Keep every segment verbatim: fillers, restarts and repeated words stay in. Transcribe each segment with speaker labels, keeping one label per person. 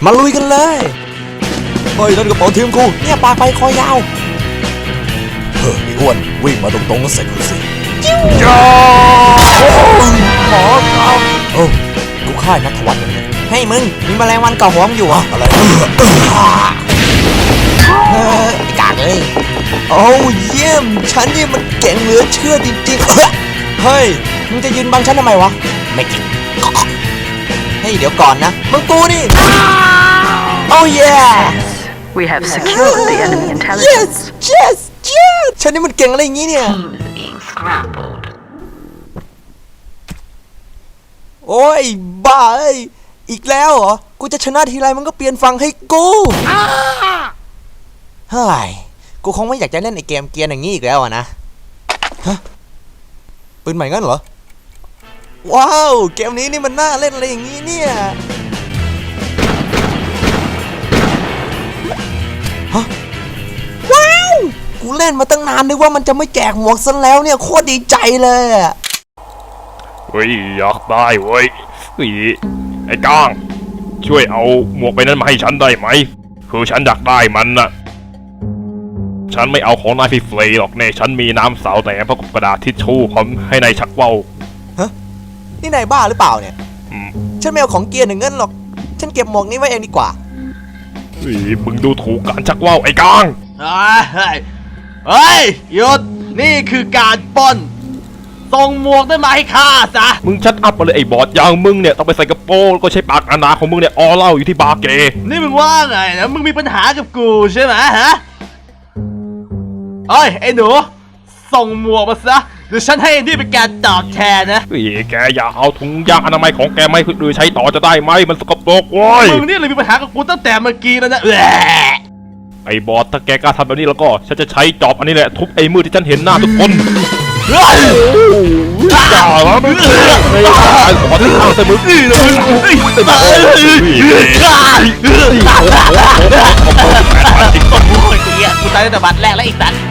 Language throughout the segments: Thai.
Speaker 1: มาลุยกันเลยเฮ้ยนั่นกระเป๋าทีมกูเนี่ยปลาไปคอยาวเฮ้ยอ้วนวิ่งมาตรงๆก็เสร็จกูสิจ้าหมอครับโอ้กูค่ายนัทวัฒน์เนี่ยให้มึงมีแมลงวันเกาะหัวมึงอยู่อ่ะอะไรเฮ้ยกากเลยโอ้เยี่ยมฉันนี่มันเก่งเหลือเชื่อจริงๆเฮ้ยมึงจะยืนบังฉันทำไมวะไม่จริงเฮ้ยเดี๋ยวก่อนนะมึงกูนี่โอ้เย่
Speaker 2: We have secured the enemy intelligence.
Speaker 1: yes yes yes ฉันนี่มันเก่งอะไรอย่างงี้เนี่ย
Speaker 2: Being scrambled.
Speaker 1: โอ้ยบ้าเอ้ยอีกแล้วเหรอกูจะชนะทีไรมันก็เปลี่ยนฝั่งให้กูเฮ้ยกูคงไม่อยากจะเล่นไอเกมเกียร์อย่างนี้อีกแล้วอะนะฮะปืนใหม่งั้นเหรอว้าวเกมนี้นี่มันน่าเล่นอะไรอย่างนี้เนี่ยฮะว้าวกูเล่นมาตั้งนานนึกว่ามันจะไม่แจกหมวกซะแล้วเนี่ยโคตรดีใจเลยอะ
Speaker 3: เฮ้ยอยากได้เว้ยเฮ้ยไอ้ก้างช่วยเอาหมวกไปนั้นมาให้ฉันได้ไหมคือฉันอยากได้มันน่ะฉันไม่เอาของนายฟรีๆหรอกเนี่ยฉันมีน้ำสาวแต่พร้อมกับกระดาษทิชชู่พร้อมให้นายชักว่าว
Speaker 1: ฮะนี่นายบ้าหรือเปล่าเนี่ย
Speaker 3: อืม
Speaker 1: ฉันไม่เอาของเกียร์หนึ่งเงินหรอกฉันเก็บหมวกนี้ไว้เองดีกว่า
Speaker 3: เฮ้ยมึงดูถูกการชักว่าวไอ้ก้าง
Speaker 4: เฮ้ยเฮ้ยหยุดนี่คือการปล้นส่งหมวกได้มาให้ข้าซะ
Speaker 3: มึงชัดอัพไปเลยไอ้บอดอย่างมึงเนี่ยต้องไปใส่กระโปรงก็ใช้ปากอาณาของมึงเนี่ยออเล่าอยู่ที่บาร์เกย์
Speaker 4: นี่มึงว่าไงนะมึงมีปัญหากับกูใช่ไหมฮะเอ้ยไอ้หนูส่งหมวกมาซะเดี๋ยวฉันให้นี่เป็นการตอบแทนนะ
Speaker 3: เฮ้ยแกอย่าเอาถุงยางอนามัยของแกไม่คือใช้ต่อจะได้ไหมมันสกปรกโว้ย
Speaker 4: มึงนี่เลยมีปัญหากับกูตั้งแต่เมื่อกี้แล้วนะ
Speaker 3: ไอ้บอสถ้าแกกล้าทำแบบนี้แล้วก็ฉันจะใช้จอบอันนี้แหละทุบไอ้มือที่ฉันเห็นหน้าทุกคนอย่าละมึงไม่ได้ขอที่ทางเสมอเลย
Speaker 4: กูตายตั้งแต่บัตรแรกแล้วอีกตัน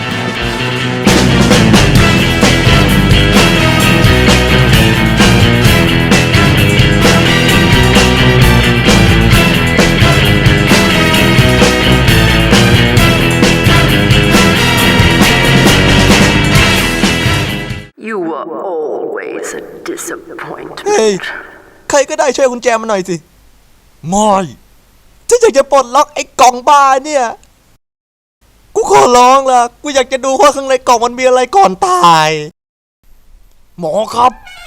Speaker 2: You were always a disappointment.
Speaker 1: เฮ้ยใครก็ได้ช่วยกุญแจมาหน่อยสิไม่ฉันอยากจะปลดล็อกไอ้กล่องบ้าเนี่ยกูขอร้องล่ะกูอยากจะดูว่าข้างในกล่องมันมีอะไรก่อนตายหมอครับ